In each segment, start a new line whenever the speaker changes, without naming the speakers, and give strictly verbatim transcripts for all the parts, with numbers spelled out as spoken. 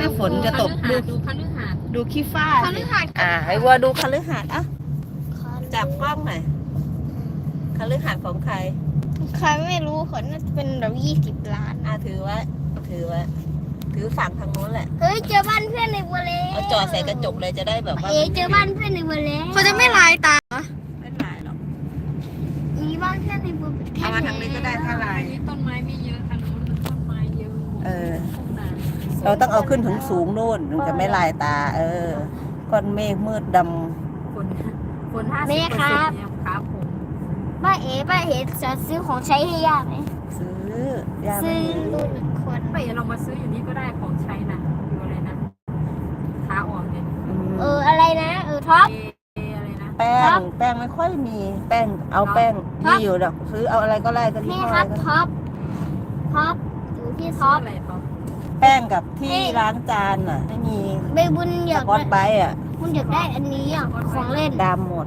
นี่ฝนจะตกดู
ดูคฤหาสน์
ดูขี้ฟ้า
คฤหาสน์
อ่าไอ้วัวดูคฤหาสน์อ่ะจับกล้องหน่อยคฤหาสน์ของใคร
ใครไม่รู้คนน่าจะเป็นแบบยี่สิบล้าน
อ่าถือไว้ถือไว้ถือฝั่งทางโน้นแหละ
เฮ้ยเจอบ้านเพื่อนในบัวเล่
เอาจอดใส่กระจกเลยจะได้แบบว่า
เอ๋เจอบ้านเพื่อนในบัวเล่เขาจะไม่ลายตา
ไม่ลายหรอก
มีบ้านเพื่อนในบัว
เอามาทางนี้ก็ได้ถ้าลาย
อันนี้ต้นไม้ไม่เยอะทางโน้นต้นไม้เยอะ
เออ
ทุ่งนา
เราต้องเอาขึ้นถึงสูงโน่นถึงจะไม่ลายตา เออก้อนเมฆมืดด
ฝนฝนห้าสิบเปอร์เซ็นต์เนี่ยครับผม
บ้านเอ๋บ้านเอ๋จะซื้อของใช้ให้ย่าไหม
ำซื้อยา
ซื้
ไม่
อ
มี
รุ่นคน
ไปเรามาซื้ออยู่นี่ก็ได้ของใช้นะอยู่อะไรนะขาออกเนี่ย
อืม
เอออะไรนะเออท็อป
เออะไรนะ
แป้งแป้งไม่ค่อยมีแป้งเอาแป้งมีอยู่ดอกซื้อเอาอะไรก็ได้ก็ที่
นี่
ห้อ
ค
ย
รับ
ก็
ท็อปท็อปอยู่ที่
ซื้
ท็
อ
อป
อะไรท็อป
แป้งกับที่ล้างจานอ่ะไม่มี
ใบบุญอ
ส
ยาก
กอตไบรท์อ่ะ
บุญอยากได้อันนี้อ่ะของเล่น
ดำหมด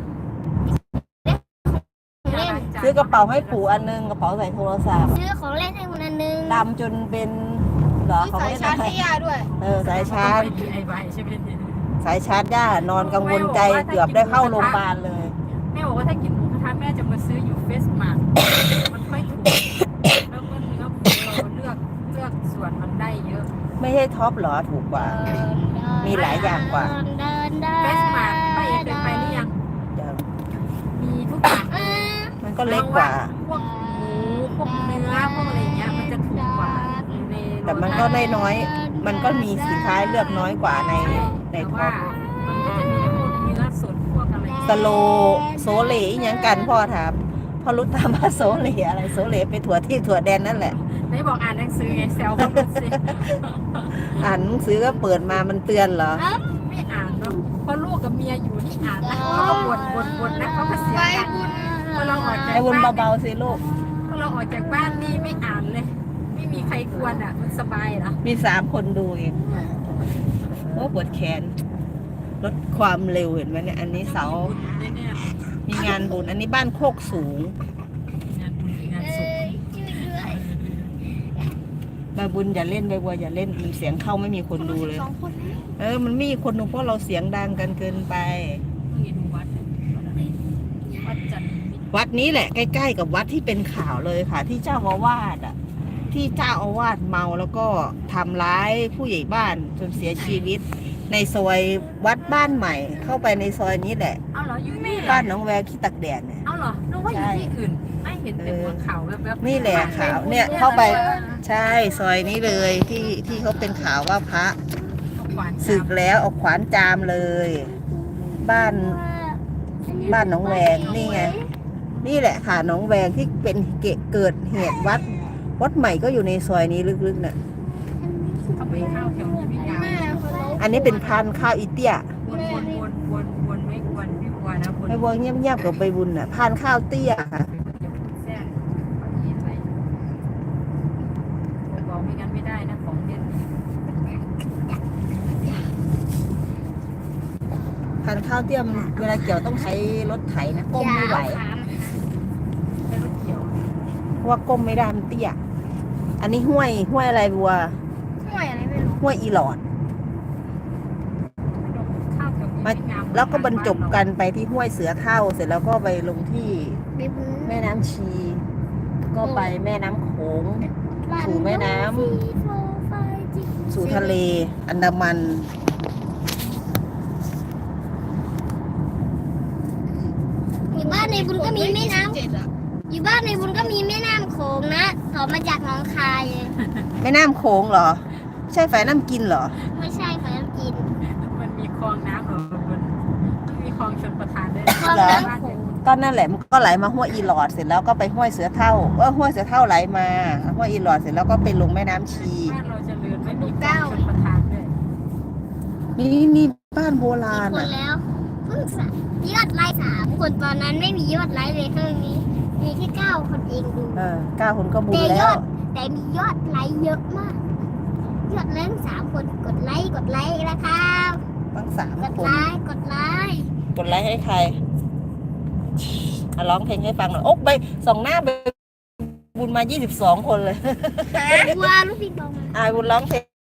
ของเล่น
ซื้อกระเป๋าให้ปู่อันนึงกระเป๋าใส่โทรศัพท์
ซื้อของเล่นให้คนอันนึง
ดำจนเป็นเหรอของ
สาย
เล่น
ชาร์จ
อะไร
ให้ย่าด้วย
เออสายชาร์จ
ดีไอไวใช่ไหมเนี่ย
สายชาร์จย่านอนกังวลใจเกือบได้เข้าโรงพยาบาลเลย
แม่บอกว่าถ้ากินหมูกระทะแม่จะมาซื้ออยู่เฟสมาร์ทมันค่อยถูกแล้วก็เนื้อหมูเราเลือกเลือกส่วนมันได้เยอะ
ไม่ใช่ท็อปเหรอถูกกว่า มีหลายอย่างกว่า
เดินเดิน
เฟสมาร์ทไปเองเคยไปหรือยัง
เดี๋ยว
มีทุกอย่าง
เออ
มันก็เล็กกว่า
พวกหมูพวกเนื้อพวกอะไรอย่างเงี้ยมันจะถูกกว่าใน
แต่มันก็ได้น้อย มันก็มีสินค้าเลือกน้อยกว่าในใน
แต่
ท็อ
ว่า
ป
มันก็จะมีพวกเนื้อสดพวกอะไร
สโลโซเลอีหยังกันพ่อถามพ่อรู้ตามว่าโซเลอะไรโซเลไปถั่วที่ถั่วแดนนั่นแหละ
ได้บอกอ่านหนังสือไงแซวเขาดูสิ
อ่านหนังสือก็เปิดมามันเตือนเหรอ
ไม่อ่านเนาะเพราะลูกกับเมียอยู่นี่อ่านนะเขาก็บ่นบ่นบ่นนะเขาก็เสียกันพอเราออกจาก
ไอ้วุน
บ้าน
เบาๆสิลูก
พอเราออกจากบ้านนี่ไม่อ่านเลย ไม่มีใครกวนอ่ะมันสบายเหรอ
มีสามคนดูเองโอ้ปวดแขนลดความเร็วเห็นไหมเนี่ย อันนี้เสา
เนี่ย
มีงานบุญ อันนี้บ้านโคกสูง
งานบุญงาน
เอ
ศพ
อช่วยด้วย
ใบบุญอย่าเล่นใบบัวอย่าเล่นมีเสียงเข้าไม่มีคนดูเลย
สองคนนี้
เออ มันมีคนดูเพราะเราเสียงดังกันเกินไป
เห็นวัดวัดจันทร์มิตร
วัดนี้แหละใกล้ๆกับวัดที่เป็นข่าวเลยค่ะ ที่เจ้าอาวาสอ่ะ ที่เจ้าอาวาสเมาแล้วก็ทำร้ายผู้ใหญ่บ้านจนเสียชีวิต ในซอยวัดบ้านใหม่ เข้าไปในซอยนี้แหละ
เอาเหรออยู่นี่เหรอ
บ้านน้องแววขี้ตักแดดเนี่ย
เอาเหรอนึกว่าอยู่ที่อื่นไม่เห็นแต่บนเขาแบบๆ
นี่แหละข่าวเนี่ยเข้าไป ใช่ซอยนี้เลยที่ที่เขาเป็นข่าวว่าพระ
เอาขวาน
ศึกแล้วเอาขวานจามเลย บ้านบ้านหน้องแวงนี่ไง นี่แหละค่ะหน้องแวงที่เป็นเกเกิดเหตุวัด วัดใหม่ก็อยู่ในซอยนี้ลึกๆน่ะ
เขาไปข้าวแถวนี้ไม่ยาว
แม่คนรู้
อันนี้เป็นพันธุ์ข้าวอีเตี้ย
วนวนวนวนวนไม่กวนไม่กวนนะวน
ไปวงเงียบๆกับใบบุญน่ะพันธุ์ข้าวเตี้ยค่ะ
แซ่บเขาเย็นไปบอกไม่งั้นไม่ได้นะของเด่น
พันธุ์ข้าวเตี้ยมันเวลาเกี่ยวต้องใช้รถไถนะก้มไม่ไหว
ไม่รู้เกี่ยว
เพราะว่าก้มไม่ได้มันเตี้ย อันนี้ห้วยห้วยอะไรบัว
ห่วยอะไรไม่รู้
ห้วยอีหลอด
ข้าวแถวนี้
มา
ไม่งาม
แล้วก็บรรจบกันไปที่ห้วยเสือเท่า เสร็จแล้วก็ไปลงที่
ใบบุญ
แม่น้ำชี ก็ไปแม่น้ำโขง สู่แม่น้ำ สู่ทะเลอันดามัน
อยู่บ้านในบุญก็มีแม่น้ำอยู่บ้านในบุญก็มีแม่น้ำโขงนะต่อมาจากหนองคายเลย
แม่น้ำโขงเหรอ ใช่ฝ่ายน้ำกินเหรอ
ไม่ใช่ฝายน้ำกิน
มันมีคลองน้ำเหรอมันมันมีคลองชลประทานด้วย
คลอง
เหรอ
น้ำโขง
ก็นั่นแหละมันก็ไหลมาห้วยอีหลอดเสร็จแล้วก็ไปห้วยเสือเท่าเออห้วยเสือเท่าไหลมาห้วยอีหลอดเสร็จแล้วก็ไปลงแม่น้ำชี
บ้านเราเจะเลือนไม่มีคลองชลประทานด้วย
มีมีบ้านโบราณ
คน
อ่ะ
แล้วเพิ่งสะยอดไลค์สามคนตอนนั้นไม่มียอดไลค์เลยเท่านี้ มีแค่เก้าคนเองดู
เออเก้าคนก็บุญ
แต่ย
แล้
อ
ว
ดแต่มียอดไลค์เยอะมาก ยอดไลค์สามคนกดไลค์กดไลค์นะครับ
ตั้งสาม
กด
คน
ไลค์กดไลค์
กดไลค์ให้ใครอ่ะร้องเพลงให้ฟังหน่อยโอ๊กไปส่องหน้าไปบุญมายี่สิบสองคนเลย
ว่าลูกพี่บอกมา
อ่าบุญร้องเพลง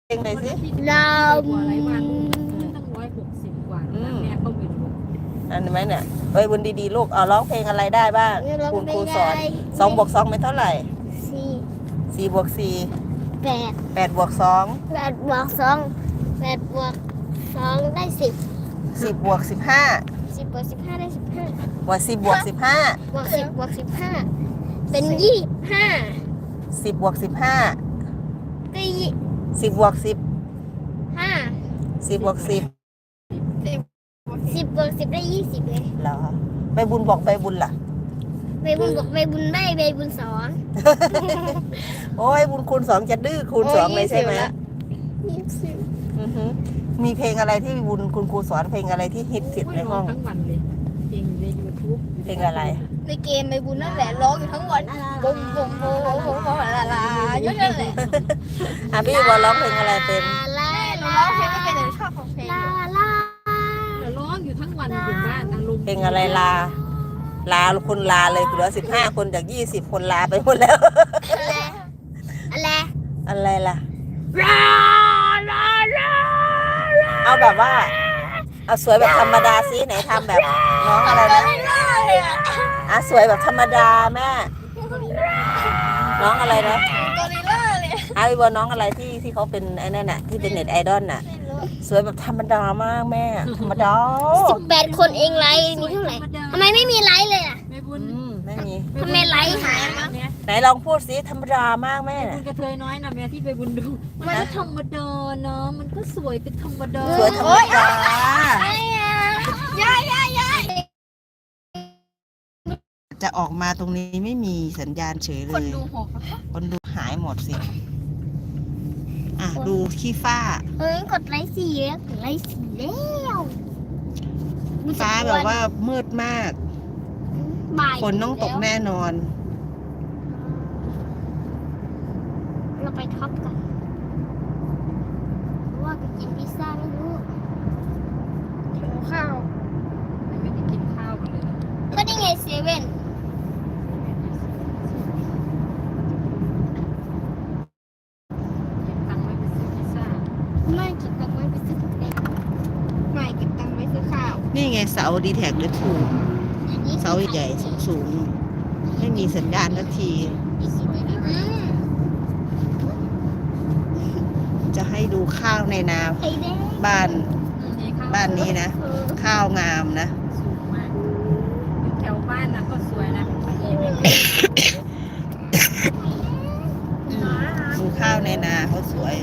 เพลงไหนสิ
เรา
กว่าอะไรวันตั้งร้อยหกสิบกว่าแม่ก็ไปดู
อันนี้ไหมเนี่ยเอ้ยบุญดีๆลูกเอาร้องเพลงอะไรได้บ้างคุณครูสอนสองบวกสองเป็นเท่าไหร่
สี่
สี่บวกสี่
แปด
แปดบวกสอง
แปดบวกสองแปดบวกสองได้สิบ
สิบบวกสิบห้า
สิบบวกสิบห้าได้สิบห้า
บวกสิบบวกสิบห้า
บวกสิบบวกสิบห้าเป็นยี่ห้า
สิบบวกสิบห้า
ก็ยี่
สิบบวกสิบ
ห้า
สิบบวกสิบ
สิบบวกสิบได้ยี่สิบเลย
เหรอใบบุญบอกใบบุญล่ะ
ใบบุญบอกใบบุญได้ใบบุญสอน
โอ้ยบุญคูณสองจะดื้อคูณสองเลยใช่ไหม
ยี่สิบ
อือฮึมีเพลงอะไรที่บุญคุณครูสอนเพลงอะไรที่ฮิตติดในห้อง
ทั้งวันเลยเพลงในยูทูบ
เพลงอะไร
ในเกมใบบุญนั่นแหละร้องอยู่ทั้งวันบุ้มบุ้มบุ้มบุ้มบุ้มบุ้มลาลาอยู่นั่นแหละ
อ่ะพี่บอลร้องเพลงอะไรเป็น
ลาหนูร้องเพลงไม่เป็นหนูชอบของเพลงลาลา
ร้องอยู่ทั้งวันอยู่บ้านอารมณ์
เพลงอะไรลา ลาคนลาเลยเหลือสิบห้าคนจากยี่สิบคนลาไปหมดแล้ว
อะไร
อะไรล่ะ
ลาลาลา
เอาแบบว่า เอาสวยแบบธรรมดาสิไหนทำแบบน้องอะไรนะอ่ะสวยแบบธรรมดาแม่ น้องอะไรนะ
กอริลล่าเลย
อาพี่บอลน้องอะไรที่ที่เขาเป็นไอ้นั่นน่ะที่เป็นเน็ตไอดอลน่ะ สวยแบบธรรมดามากแม่ ธรรมดา
สิบแปดคนเองไลค์มีเท่าไหร่ทำไมไม่มีไลค์เลยอ่ะ
ไม่บุญ
อืมไม่มี
ทำไมไลค์หาย
เนี่ย
ไหนลองพูดสิธรรมดามากแม่
บุ
น่ะ
ญกระเทยน้อยนะแม่ที่ไปบุญดูมันก็ธรรมดาเนาะมันก็สวยเป็นธรรมดา
สวยธรรมดา
ยายยายยาย
จะออกมาตรงนี้ไม่มีสัญญาณเฉยเลย
คนดูหก
คนดูหายหมดสิ อ่ะ ดูขี้ฟ้า
เฮ้ยกดไลค์สี่แล้วกดไลค์สี่แล้ว
ฟ้าแบบว่ามืดมาก
บ่าย
ฝนต้องตกแน่นอน
เราไปท็อปกันเพราะว่าไปกินพิซซ่าไม่รู้หิวข้าว
ไม่ได้กินข้าวกันเลย
ก็ได้ไงเซเว่น
เก็บตังค์ไว้ไปซื้อพิซซ่า
ไม่เก็บตังค์ไว้ไปซื้อข้าวไม่เก็บตังค์ไว้ซื้อข้าว
นี่ไงเสาดีแท็กหรือถูกเสาใหญ่ๆสูงๆไม่มีสัญญาณทันที
อืม
จะให้ดูข้าวในนา
ไข่แดง
บ้าน
มีข้าว
บ้านนี้นะ
เออ
ข้าวงามนะ
สูงมากอยู่แถวบ้านนะก็สวยนะบางทีไม่เป็น
ดูข้าวในนาเขาสวย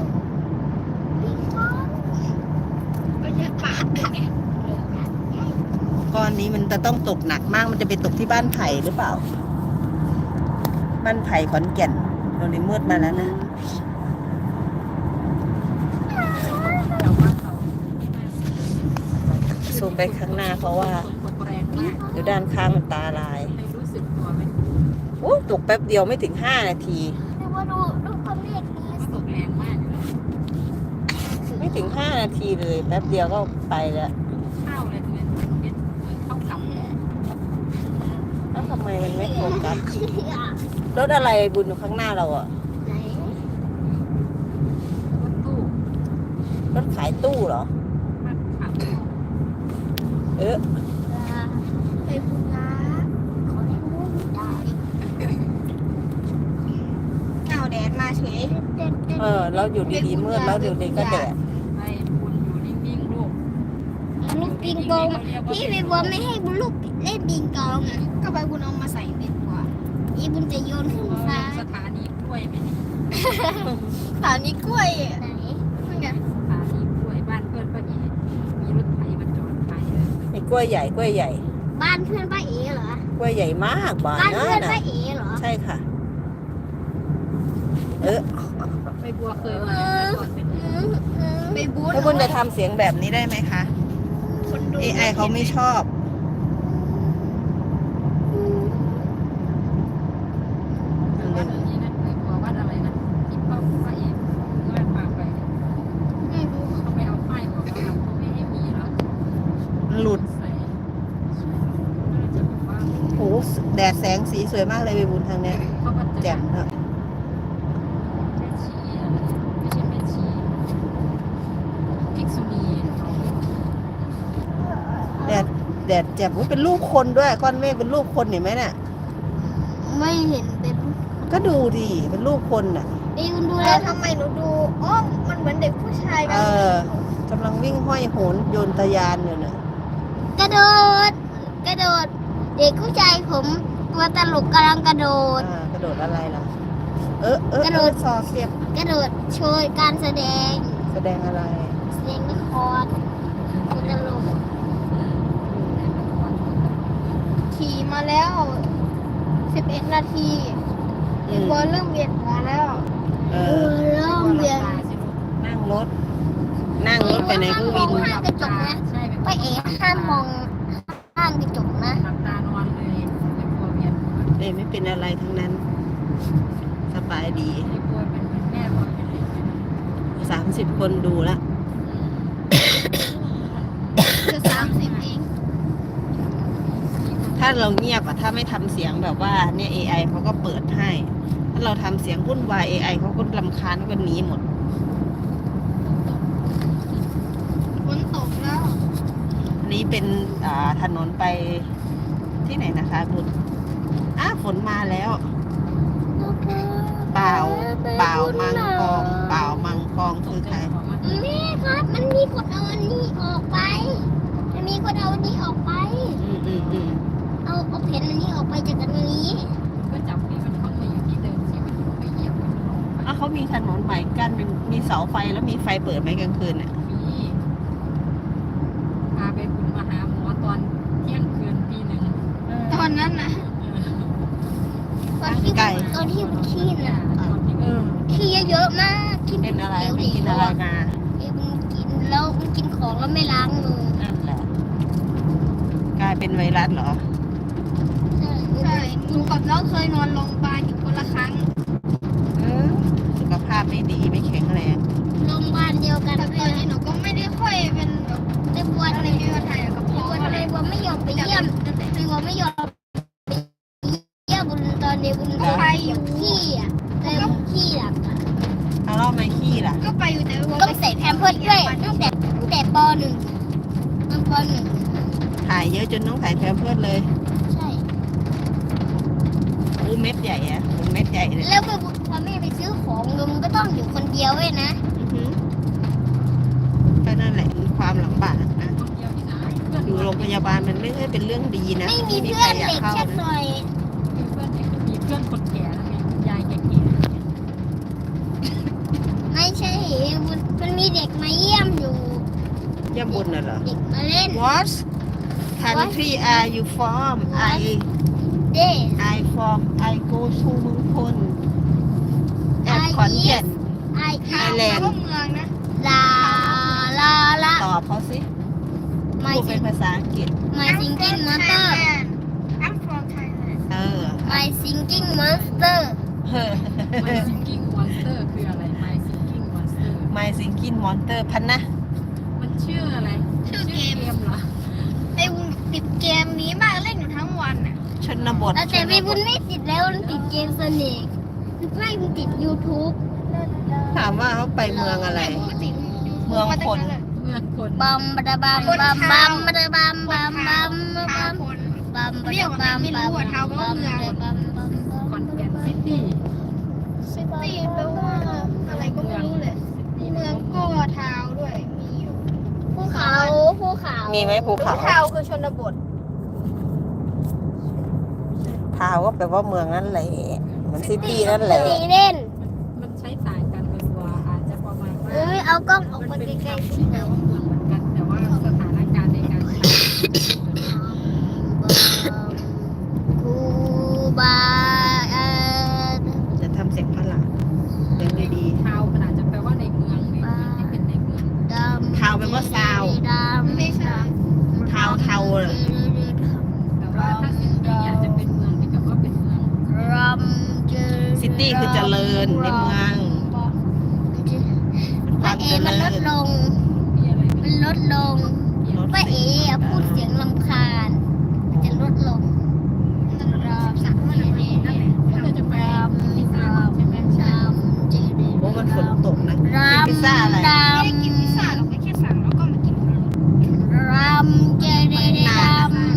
ก็เยอะปากเลยไง
ก้อนนี้มันจะต้องตกหนักมาก มันจะไปตกที่บ้านไผ่หรือเปล่า บ้านไผ่ขอนแก่นตรงนี้มืดมาแล้วนะ
แถวบ้านเขา
ซูมไปข้างหน้าเพราะว่า
คนแรงมาก
เดี๋ยวด้านข้างมันตาลาย
ไม่รู้สึกตัวไหม
โอ้ตกแป๊บเดียวไม่ถึงห้านาที
แต่ว่าดูดูความเรียกนี้
ก็ตกแรงมากเลย
ไม่ถึงห้านาทีเลย แป๊บเดียวก็ไปแล้ว
ข้าวอะไรตรงนี้เป็นข้าวกำ
แล้วทำไมมันไม่โฟกัสรถอะไรบุญอยู่ข้างหน้าเราอะ
ไหน
รถตู้
รถขายตู้เหรอ
มาขับ
เออ
ไปพูดนะขอให้พูดได้เก่าแดดมาเฉย
เออเราอยู่ดีๆมืดแล้วเดี๋ยวเด็กก็แดด
ไปบุญอยู่นิ่งๆลูก
ลูกปิงปองพี่ไปบัวไม่ให้บุญลูกเล่นปิงปองอ่ะก็ไปบุญเอามาใส่ในตัวอีบุญจะโยนขึ้นฟ้า
สถานีกล้วยไหมนี่
สถานีกล้วยไหนนั่นไง
สถานีกล้วยบ้านเพื่อนป้าเอ๋มีรถไถมาจอดขายเลย
มีกล้วยใหญ่กล้วยใหญ่
บ้านเพื่อนป้าเอ๋เหรอก
ล้วยใหญ่มากบ้าน
บ้าน
นั่
เพื่อน
น
ป้า
น่ะ
เอ๋เหรอ
ใช่ค่ะ เออ
ไปบัวเคยมาก่อนเป็น
ไปบูธ
แล้วคุณจะทำเสียงแบบนี้ได้ไหมคะ
คนดู
เอ ไอ เขาไม่ชอบ
วัดนี้นะไปบัววัดอะไรนะที่พ่อป้าเอ๋เมื่อพาไป
ไม่รู้
เขาไม่เอาป้ายบอกเขาเขาไม่ให้มีแล้ว
หลุด
ใส่น่าจะบอกว่า
โหแดดแสงสีสวยมากเลยไปบุญทางเนี้ย
เขาก็จะ
แจ่มเนอะ
แม่ชีอะไรไม่ใช่แม่ชี
แดดแจ่มอุ๊ยเป็นรูปคนด้วยก้อนเมฆเป็นรูปคนเห็นไหมเนี่ย
ไม่เห็นเป็น
ก็ดูดิเป็นรูปคนน่ะ
ไอ้คุณดูแล้วทำไมหนูดูอ๋อมันเหมือนเด็กผู้ชายกั
เอน อกำลังวิ่งห้อยโหนโยนตะยานอยู่น่ะ
กระโดด กระโดด เด็กผู้ชายผมตัวตลกกำลังกระโดด
อ่ากระโดดอะไรล่ะ เออเออก
ระโดด
เออสอเสียบ
กระโดดโชว์การแสดง
แสดงอะไร
แสดงละครตัวตลกขี่มาแล้วสิบเอ็ดนาที
อืม
บอลเริ่มเวียนหัวแล้ว
เอ
เอ
อ
อเริ่มเวียน
นั่งรถ นั่งรถไปในเครื่องบิน
ข้างกระจกนะ
ใช่เป็น
ป้าเอ๋ห้ามมองข้างกระจกนะ
หลับตานอนเลยไม่กลัวเวียนหัว
เอ้ยไม่เป็นอะไรทั้งนั้น สบายดี
ไม่กลัวเป็นเหมือนแม่บอกเป็นเด็กเลยนะ
สามสิบคนดูละ
จะสามสิบเอง
ถ้าเราเงียบอะถ้าไม่ทำเสียงแบบว่าเนี่ย เอ ไอ เขาก็เปิดให้ ถ้าเราทำเสียงวุ่นวาย เอ ไอ เขาก็รำคาญเขาก็หนีหมด
ฝนตกแล้ว
อันนี้เป็นอ่าถนนไปที่ไหนนะคะบุญอ้าฝนมาแล้ว เปล่าเปล่ามังกองเปล่ามังกองคือใคร
แม่ครับ มันมีคนเอาอันนี้ออกไป มันมีคนเอาอันนี้ออกไป
อืมอืมอืม
เอาเอาเพนอันนี้ออกไปจากอันนี้
ก็จับให้มันเข้ามาอยู่ที่เดิมที่มันไม่เหยียบมันออกไป
อ้าวเขามีถนนใหม่กั้นเป็นมีเสาไฟแล้วมีไฟเปิดไหมกลางคืนเนี่ย
มีพาไปบุญมาหาหมอตอนเที่ยงคืนตีหนึ่ง
ตอนนั้นนะตอนที่ตอนที่มันขี้
อ่า
น่ะ
ตอนที่
เออ
ขี้เยอะๆมากขี้
เป็นอะไร
เหลว
ไม่
ๆ
กินอะไรมา
เอ้ยมันกินแล้วมันกินของแล้วไม่ล้างมือ
นั่นแหละกลายเป็นไวรัสเหรอ
ใช่ใช่หนูกับน้องเคยนอนโรงพยาบาลอยู่คนละครั้ง
เออสุขภาพไม่ดีไม่แข็งแรง
โรงพยาบาลเดียวกันแต่ตอนนี้หนูก็ไม่ได้ค่อยเป็นแบบได้ปวดอะไรมีปัญหากับพ่ออะไรว่าไม่ยอมไปเยี่ยมไม่ว่าไม่ยอมไปเยี่ยมบุญตอนเดียวบุญก็ไปอยู่ขี้อ่ะเต็มขี้อ่ะ
เอาเล่าไม่ขี้ล่ะ
ก็ไปอยู่แต่ต้องใส่แพมเพิร์สด้วยตั้งแต่ตั้งแต่ปหนึ่งตั้งปหนึ่ง
ถ่ายเยอะจนต้องถ่ายแพมเพิร์สเลย
ใช่
อู้เม็ดใหญ่อะเป็นเม็ดใหญ่เลย
แล้วพอแม่ไปซื้อของลุงก็ต้องอยู่คนเดียวเว้ยนะ
อือหือก็นั่นแหละมีความลำบากนะ
คนเดียวที่ไหนเพื่อน
อยู่โรงพยาบาลมันไม่ใช่เป็นเรื่องดีนะ
ไม่มี
ที่
เพื่อน
ใครอยาก
เด็ก
เข้า
แค่
นะ
หน่อย
มีเพื่อนเด็กมีเพื่อนคนแก่แล้วมีคุณยายแก่
ไม่ใช่มันมันมีเด็กมาเยี่ยมอยู่
เยี่ยมบุญน่ะเหรอ
เด็กมาเล่น
What country are you from I
เด้
I from I go to เมืองพล at ขอนแก่น
ไอ
Thailand
เมืองนะลาลาลา
ตอบเขาสิ
ไม่
พูด
สิ
เป็นภาษาอังกฤษ
My Singing Monster I'm from Thailand
เออ
My Singing Monster
เฮ้อ
ๆ My Singing Monster คืออะไร My Singing Monster
My Singing Monster พันนะ
มันชื่ออะไร
ชื่อเกม
เหรอ
ไอ้วุ้นติดเกมนี้มากเล่นอยู่ทั้งวันน่ะ
ชนบท
แต่แต่ไม่วุ้นไม่ติดแล้วมันติดเกมสนิกไม่มันติด YouTube
ถามว่าเขาไปเมืองอะไร เมืองคน
เมืองคน
บัมบะบัมบัมบัมบะบัมบัมบัมบัมบัมบะบัมบัมบัมบัมบัม
ขอนแก่นซิตี้
ซิตี้แปลว่าอะไรก็ไม่รู้เลยเมืองก็ทาวด้วยมีอยู่ภูเขาภูเขา
มี
มี
ไหมภูเขา
ทาวคือชนบท
ทาวก็แปลว่าเมืองนั่นแหละเหมือนซิตี้นั่นแหละ
ตีเล่น
มันใช้ต่างกันตัวอาจจะประมาณว่า
เอ้ยเอากล้องออก
มัน
มา
เป็น
ใกล้
คำที่แปลว่าเมืองเหมือนกัน แต่ว่าสถานการณ์ในการใช้
ๆคูบาเอ่อ
จะทำเสียงฝรั่งเสียงดี
ทาวน์มันอาจจะแปลว่าในเมืองในที่เป็นในเมือง
ดำ
ทาวแปลว่าซาว
ดำไม่ใช่
ๆทาวเทาเลย
แต่ว่าถ้าซิตี้อาจจะเป็นเมืองที่แบบว่าเป็นเมือง
รัมเจ
ซิตี้คือเจริญในเมืองความ
เอ
เจ
มัน
ริ
ล
ญ
ดลง
มีอะไร
มันลดลง ป้าเอ๋อะพูดเสียงลำคาญมันจะลดลงรามสักมันอะไรนั่นแหละ
ก็จะไป
ราม
พิซซ่าร
าม
ใช่ไหม
รามเจดี
โอ้มันฝนตกนะ
ราม
พิซซ่าอะไร
รามไม่ได้กินพิซซ่าเราแค่สั่งแล้วก็มากินรามเจดีราม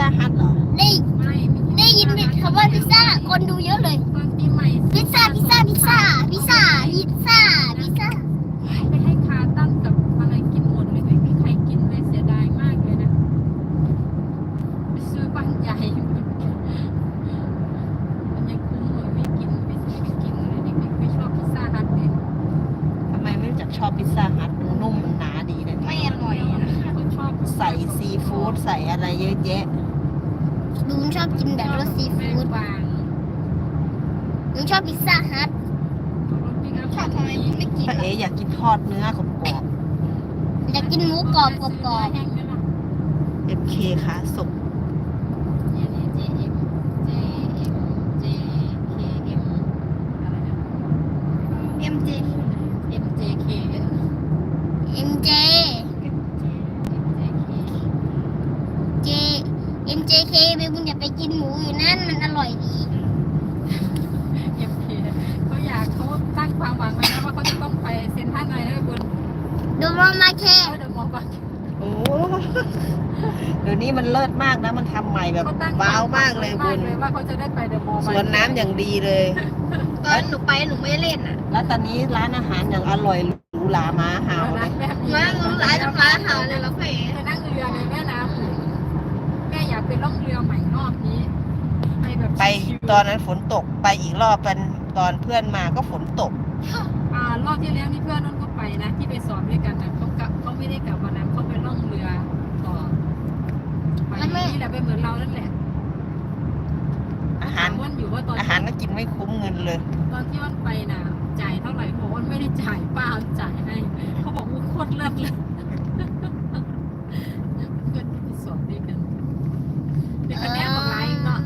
ซ่าฮัทเหรอ
ได้
ไม่ไม่
ได้ยินคำว่าพิซซ่าคนดูเยอะเลย
ตอนปีใหม่
พิซซ่าพิซซ่าพิซซ่าพิซซ่าพิซซ่าพิซซ่า
ไปให้คาตั้งกับอะไรกินหมดเลยไม่มีใครกินเลยเสียดายมากเลยนะไปซื้อบ้านใหญ่มันยังคุ้มเลยไม่กินไม่ซื้อไม่กินเลยเด็กๆไม่ชอบพิซซ่าฮัทเลย
ทำไมไม่รู้จักชอบพิซซ่าฮัทมันนุ่มมันหนาดีนะ
ไม่อร่อยนะ
เขาชอบ
ใส่ซีฟู้ดใส่อะไรเยอะแยะ
ลุงชอบกินแบบรสซีฟู้ด
บาง
ลุงชอบพิซซ่าฮัท
รถปิ้งอัพ
ชอบทำไมลุงไม่กิน
ถ้าเอ๋อยากกินทอดเนื้อกรอบ
อยากกินหมูกรอบกรอบกรอบ
แห้งไหมล่ะ
ๆ เอ็ม เค ขาสุก
เนี่ยเนี่ย เจ เอ็ม เจ เอ็ม เจ เค เอ็ม อะไรนะ
เอ็มเจ
เอ็ม เจ เค
เอ็มเจ เจ เอ็มเจเคเบบุญอย่าไปกินหมูอยู่นั่นมันอร่อยดี
เอ็ม เค เขาอยากเขาตั้งความหวังไว้นะว่าเขาจะต้องไปเซ็นทรัลอะไรนะคุณ
ดูมามาเค
เขาเดินมองไป
โอ้เดี๋ยวนี้มันเลิศมากนะ มันทำใหม่แบบ
เขาตั้ง
ว้าวมากเลย
มา
คุ
ก
ณ
เลยว่าเขาจะได้ไปเดอะมอลล์
สวนน้ำอย่างดีเลย
ตอนหนูไปหนูไม่เล่นอ่ะ
แล้วตอนนี้ร้านอาหารอย่างอร่อยหรูหราม้าเห่า
เอา
เล
นะ
ย
แม่
มาหนูร้านร้านอาหารเลยแล้วเพ่
ไปนั่งเรือในแม่น้ำแม่อยากไปล่องเรือใหม่รอบนี้ไปแบบ
ไป
ชิวๆ
ตอนนั้นฝนตกไปอีกรอบเป็นตอนเพื่อนมาก็ฝนตก
อ่ารอบที่แล้วนี่เพื่อนนั่นก็ไปนะที่ไปสอบด้วยกันนะเขากลับเขาไม่ได้กลับวันนั้นเขาไปล่องเรือต่อไปนี่แหละไปเหมือนเรานั่นแหละ
อาหาร
ถมวันอยู่ว่าตอน
อาหารก็กินไม่คุ้มเงินเลย
ตอนที่วันไปน่ะจ่ายเท่าไหร่บอกว่าไม่ได้จ่ายป้าจ่ายให้เขาบอกว่าโคตรเลิศเลยเพื่อนที่ไปสอบด้วยกันเด็กคะแนนของไลน์เนาะ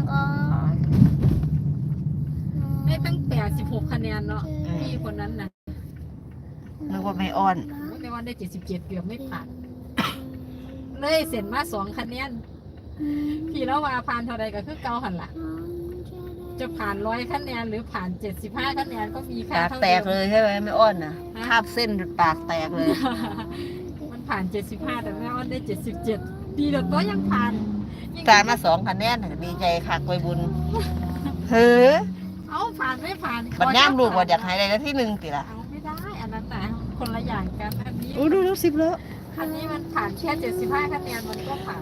ได้ตั้งแต่สิบหกคะแนนเนาะพี่คนนั้นน่ะ
นึกว่าไม่อ้อน
ในวันได้เจ็ดสิบเจ็ดเกือบไม่ผ่าน เลยเสร็จมาสองคะแนนพี่แล้วว่าผ่านเท่าไรก็คือเก้าหันละจะผ่านร้อยคะแนนหรือผ่านเจ็ดสิบห้าคะแนนก็มีค่า
ปาก
เท่า
แต
เดิ
ก
ม
เลยใช่ไหมไม่อ้อนนะคาบเส้นปากแตกเลย
มันผ่านเจ็ดสิบห้าแต่แม่อ้อนได้เจ็ดสิบเจ็ดดีแต่ตัวยังผ่านยัง
ตายมาสองคะแนนน่ะดีใจค่ะกวยบุญเฮ้อ
เอาผ่านไม่ผ่าน
บัดย่ามลูกว่าอยากหายได้แล้วที่หนึ่งติละ
เอาไม่ได้อันนั้นแต่คนละอย่างกันอันนี้
โอ้ดูดูสิบแล้ว
อันนี้มันผ่านแค่เจ็ดสิบห้าคะแนนมันก็ผ่าน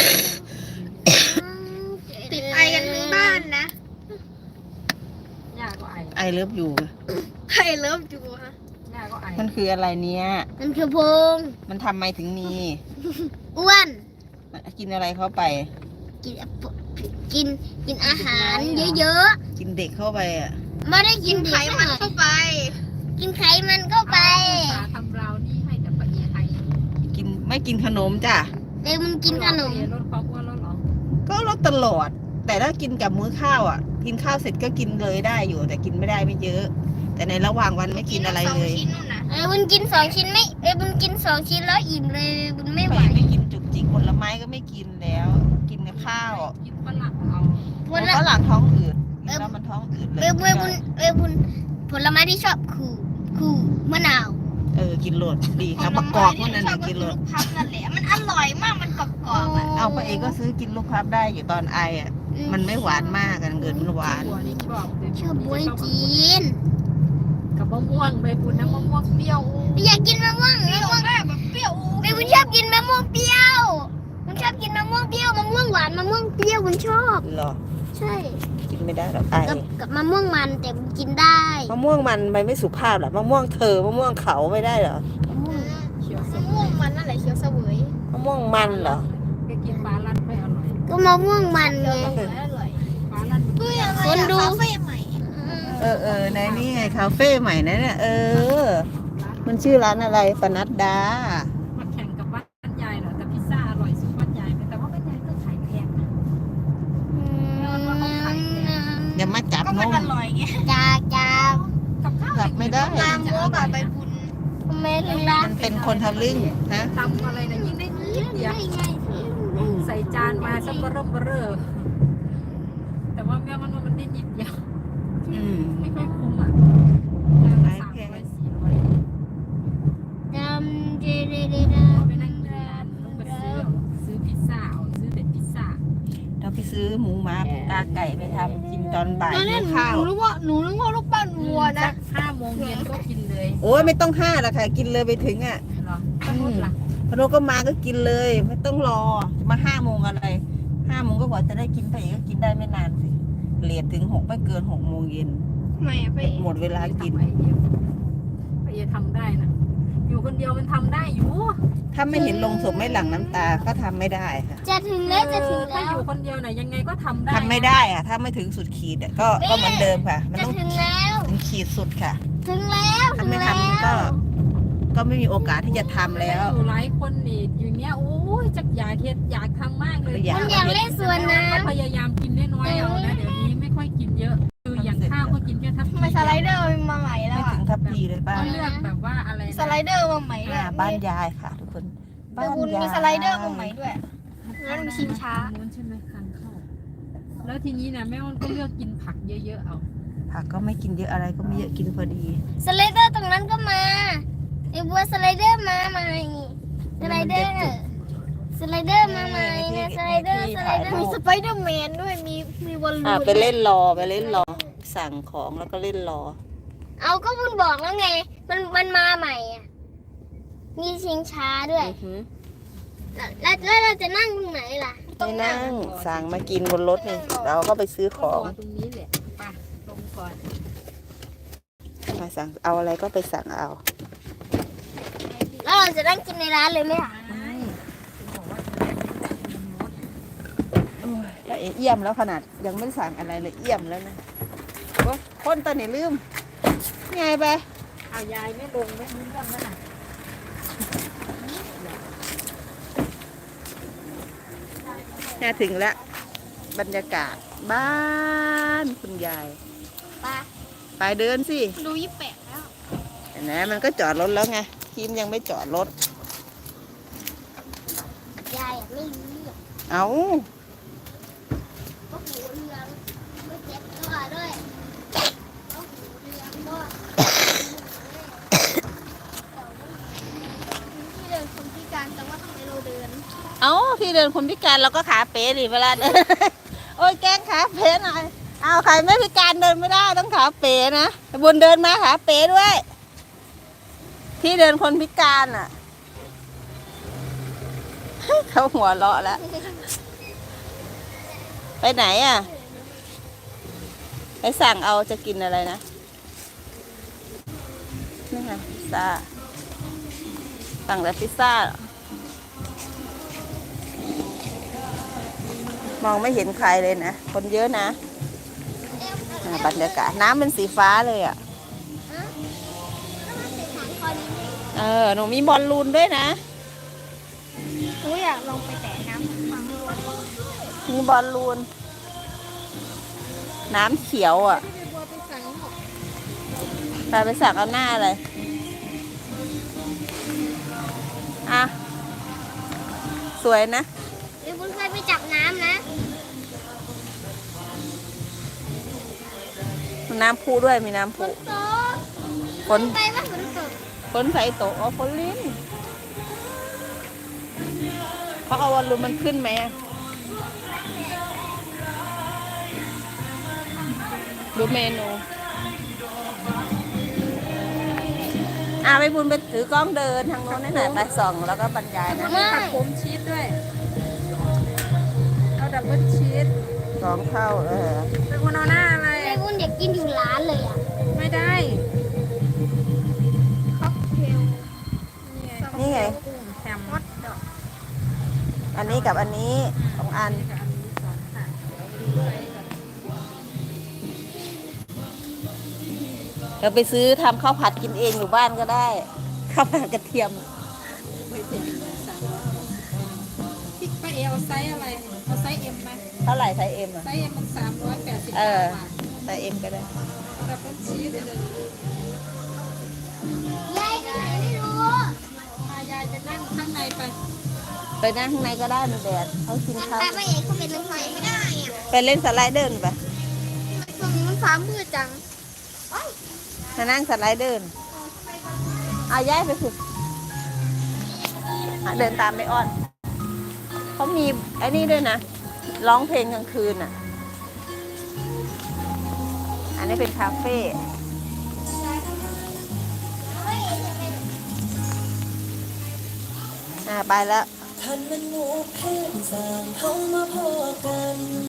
ติดไอกันทั้งบ้านนะ
ยากก็ไอ
ไอเลิฟอยู่
ใครเลิฟจูฮะ
ยากก็ไอ
มันคืออะไรเนี่ย
มันคือพง
มันทำไมถึงมี
อ้วน
กินอะไรเข้าไป
กินกินกินอาหารเยอะ
กินเด็กเข้าไปอ่ะ
ๆไม่ได้กินไขมันเข้าไป กินไขมันเข้าไป
เอาทำเรานี่ให้แต่ปะเอียไทย
กินไม่กินขนมจ้ะ
เดี๋ยวมันกินขนม
ลดความอ้วนแล้วเหรอ
ก็ลดตลอด แต่ถ้ากินกับมื้อข้าวอ่ะ กินข้าวเสร็จก็กินเลยได้อยู่ แต่กินไม่ได้ไม่เยอะ แต่ในระหว่างวันไม่กินอะไรเลย
เออบุญกินสองชิ้นไม่เออบุญกินสองชิ้นแล้วอิ่มเลยบุญไม่ไหว
ไม่กินจุกจิกผลไม้ก็ไม่กินแล้ว กินกับข้าว
กินฝรั่งเอา
ผ
แล้
ล
วฝรั่งท้องอืดกินแล้วมันท้องอืดเล
เอย อบุญบุญเออบุญผลไม้ที่ชอบคือคือมะนาว
เออกินโหลดดีครับมะกอกพวกนั้นน่ะกินโหลด
พับนั่นแหละมันอร่อยมากมันกรอบๆอ่ะ
เอาป้าเอกก็ซื้อกินลูกพับได้อยู่ตอนไออ่ะ มันไม่หวานมากกันเกินมันหวาน
บัวนี่ชอบ
ชอบบวยจีน
กับมะม่วงใบบุญน้ำมะม่วงเปรี้ยว
อยากกินมะม่วงมะม่วงแบบเปรี้ยวเออบุญชอบกินมะม่วงเปรี้ยวบุญชอบกินมะม่วงเปรี้ยวมะม่วงหวานมะม่วงเปรี้ยวบุญชอบ
เหรอ
ใช่
กินไม่ได้หรอกไอ
กับกับมะม่วงมันแต่บุญกินได้
มะม่วงมันไปไม่สุภาพหรอมะม่วงเธอมะม่วงเขาไม่ได้เหรอ
มะม่วง
เขียวส
มะม่วงมันนั่นแหละเคี้ยวเสวย
มะม่วงมันเหรอ
ก็กินปลาลัดไม่อร่อย
ก็มะม่วงมันไง
ปลาลัด
คนดู
เออเออในนี่ไงคาเฟ่ใหม่นะเนี่ยเออ มันชื่อร้านอะไรปนัดดา
มาแข่งกับบ้านยายเหรอแต่พิซซ่าอร่อยสุดบ้านยายแต่ว่าบ้านยายก็ขายแพงนะ
อย่ามาจับนม
จ้าจ้า
กับข้าว
จับไม่ได้
ตามโมกับไปบุญแม่ถึงร้าน
มันเป็นคนทะลึ่งนะ
ตำอะไรนะยิ่งได้นิดเดียวใส่จานมาสักเบอร์เบอร์แต่ว่าแม่มันมันได้นิดเดียว
อืม
ไม่ค่อยคุ้มอ่ะจานละสามร้อยสี่ร้อย
จำเจเรเร
พอไปนั่งกินลงไปซื้อซื้อพิซซ่าเอาซื้อเป็นพิซซ่า
ซื้อหมูหมาตาไก่ไปทำกินตอนบ่าย
ตอนแร
หิ
ก
ว
ห
ข้าว
นูนึกว่าหนูนึกว่าลูกปั้นวัว
สั
นะ
กห้าโมงเย็นก็กินเลย
โอ้ยไม่ต้องห้าละค่ะ กินเลยไปถึงอ่ะ
เหรอป้านุชล่ะ
พอโนก็มาก็กินเลย ไม่ต้องรอมาห้าโมงอะไรห้าโมงก็กว่าจะได้กินไปอีกก็กินได้ไม่นานสิเลทถึงหกไม่เกินหกโมงเย็น
ทำไมอะไป
หมดเวลากิน
ไอเดียไอเดียทำได้นะอยู่คนเดียวมันทำได้อยู่
ถ้าไม่เห็นลงศพไม่หลั่งน้ำตาก็ทำไม่ได้ค่ะ
จะถึงแล้วจะถึง
ถ้า
แล้
อ
ว
ยู่คนเดียวน่ะยังไงก็ทำได้
ทำไม่ได้อะถ้าไม่ถึงสุดขีดอะก็ก็เหมือนเดิมค่ะ มัน
จะ
ต้อง
ถึงแล้ว
ถึงขีดสุดค่ะ
ถึงแล้ว
ถ้า
ถึง
ไม่
แล้
ทำก็
ว
ก็ไม่มีโอกาสที่จะทำแล้ว
อยู่หลายคนนี่อยู่เนี้ยโอ้ยจักอยากเฮ็ดอยากทำมากเลย
อยาก
มันอยากเล่นสวนน้
ก็พยายามกินน้อยๆเอานะเดี๋ยวนี้ไม่ค่อยกินเยอะคืออย่างข้าวก็กินแค่ทัพ
ำทำไมสไลเดอร์มาใหม่แล้ว
ไม่
อ่ะ
ถึงทัพพีเลยป้า
ก็เลือกแบบว่าอะไรนะ
สไลเดอร์มาใหม่ด้วย
อ่าบ้านยายค่ะ ทุกคน
แต่คุณมีสไลเดอร์มาใหม่ด้วยนั่นมีชิงช้า
นู้นใช่ไหมคันเข้าแล้วทีนี้นะแม่อ้นก็เลือกกินผักเยอะๆเอา
ผักก็ไม่กินเยอะอะไรก็ไม่เยอะกินพอดี
สไลเดอร์ตรงนั้นก็มาไอ้บัวสไลเดอร์มาใหม่สไลเดอร์สไลเดอร์มาใหม่เนี่ยสไลเดอร์สไลเดอร์มีสไปเดอร์แมนด้วยมีมีบอลลู
อ่าน ไปเล่นรอไปเล่นรอ สั่งของแล้วก็เล่นรอ
เอาก็คุณบอกแล้วไง มันมันมาใหม่อ่ะมีชิงช้าด้วย
อือหือ
แล้วแล้วเราจะนั่งตรงไหนล่ะ
ไม่นั่งสั่งมากินบนรถนี่เราก็ไปซื้อข
ก็
อง
รอตรงนี้แหละไปลงก่อน
มาสั่งเอาอะไรก็ไปสั่งเอา
แล้วเราจะนั่งกินในร้านเลยไหมล่ะ
ไม่บอกว่า
โอ้ยละเอี่ยมแล้วขนาดยังไม่ได้สั่งอะไรเลยเอี่ยมแล้วนะโอ้คนตอนนี้ลืมไงไป
เอายายไม่ลงไม่รู้เรื่องแล้วน่ะ
เนี่ยถึงแล้วบรรยากาศบ้านคุณยาย
ปะ
ไปเดินสิ
ดูยี่แปดแล้ว
เห็นไหมมันก็จอดรถแล้วไงทีมยังไม่จอดรถ
ยายอะไม่รู้เรื่อง
เอา
ก็หูเรืองไม่เจ็บตัวด้วยก็หูเรืองด้วยที่เดินคนพิการแต่ว่าทำไมเราเดิน
เอาที่เดินคนพิการเราก็ขาเป๋ดิเวลาเดิน โอ้ยแกล้งขาเป๋หน่อยเอาใครไม่พิการเดินไม่ได้ต้องขาเป๋นะบุญเดินมาขาเป๋ด้วย ที่เดินคนพิการอ่ะ เขาหัวเราะแล้ว ไปไหนอ่ะ ไปสั่งเอาจะกินอะไรนะ นี่ไงพิซซ่า สั่งแต่พิซซ่า มองไม่เห็นใครเลยนะ คนเยอะนะอ่าบรรยากาศน้ำเป็นสีฟ้าเลยอ่ะ เออ หนูมีบอลลูนด้วยนะ
หนูอยากลงไปแต่น้ำฟังด้วย
มีบอลลูน น้ำเขียวอ่ะ
ที่บัวไปสั่งหมด
ไปไปสั่งเอาหน้าเลยอ่ะ สวยนะ
เดี๋ยวคุณเคยไปจับน้ำนะ
น้ำพุด้วย มีน้ำ
ฝ
พุ
นตก
ฝน
ไปว่าฝนตก
ฝนใส่โตะอ๋อฝนลิ้นเพราะเอาบอลลูนมันขึ้นไหมอะดูเมนูอ่ะไปบุญไปถือกล้องเดินทางโน้นนี่หน่อยไปส่องแล้วก็บรรยายนะ
มีผักโขมชีสด้วย เอาดับเบิลชีส
สองเท่าเออ
เป็นคนเอาหน้าอะไร
ไอ้บุญอยากกินอยู่ร้านเลยอ่ะ
ไม่ได้
ค็อกเทล
นี่ไง
กุ้งแฮมมดดอก
อันนี้กับอันนี้สองอัน
กับอันนี้สองค่ะ
เราไปซื้อทำข้าวผัดกินเองอยู่บ้านก็ได้ ข้าวผัดกระเทียม
ไม่เสียสามร้อยพี่ป้าเอเอาไซส์อะไร เอาไซส์เอ็มไหม
เท่าไหร่ไซส์เอ็มอ่ะ
ไซส์เอ็มมันสามร้อยแปดสิบ
เออ
บาท
ไซส์เอ็มก็ได้
เอาดับเบิลชีสเลย
ยายก็ไหนไม่รู้
มายายจะนั่งข้างในไป
ไปนั่งข้างในก็ได้มันแดดเขากินข้าว
แต่ไม่เอกเขาเป็นน้ำไฟไม่ได้อ่ะ
ไปเล่นสไลเดอร์ไป
ตรงนี้มันฟ้ามืดจัง
มานั่งสไลเดอร์เอาย้ายไปสุดเดินตามไปอ้อนเขามีไอ้นี่ด้วยนะร้องเพลงกลางคืนอ่ะ อันนี้เป็นคาเฟ่อ่าไปแล้ว
ท่านมันหมู่เพื่อนสร้างเขามาพอกัน